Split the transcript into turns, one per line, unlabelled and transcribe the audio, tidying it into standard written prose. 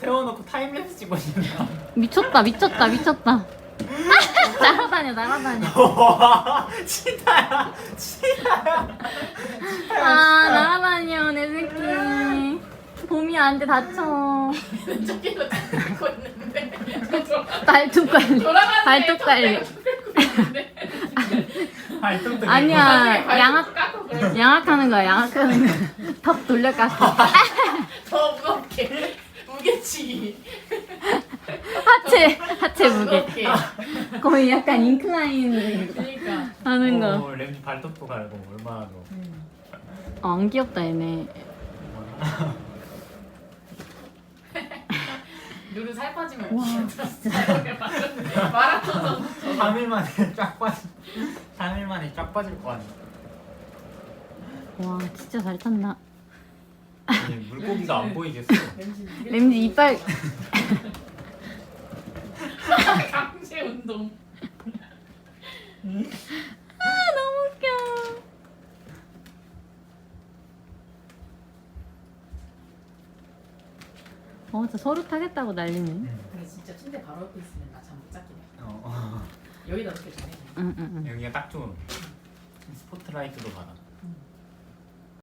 세워놓고 타임랩스 찍고 싶나?
미쳤다 미쳤다 미쳤다. 날아다녀 날아다녀.
치타야 치타야.
아 날아다녀 내 새끼. 봄이 안돼 다쳐.
저기로 들고 있는데
발톱 관리.
돌아가는
발톱 관리.
발톱도
아니야
발톱
양악
깎고 그래.
양악하는 거야 양악하는 거야. 턱 돌려 깎아.
더 무겁게 무게치기.
하체 무게.
무겁게.
거의 약간 인클라인
그러니까.
하는 거.
램지 발톱도 갈고 얼마나 더.
안 귀엽다 얘네.
누르 살 빠지면
와,
진짜 마라톤 선수.
3일 만에 쫙 빠질. 3일 만에 쫙 빠질 거 아니야.
와 진짜 잘 탔나.
아니, 물고기가 안 보이겠어.
램지 이빨.
강제 운동.
아 너무 웃겨. 진짜 서로 타겠다고 난리네.
근데 진짜 침대 바로 옆에 있으면 나 잠 못 잤긴 해. 여기다 놓게 전해.
응응응.
여기가 딱 좋은. 스포트라이트도 받아.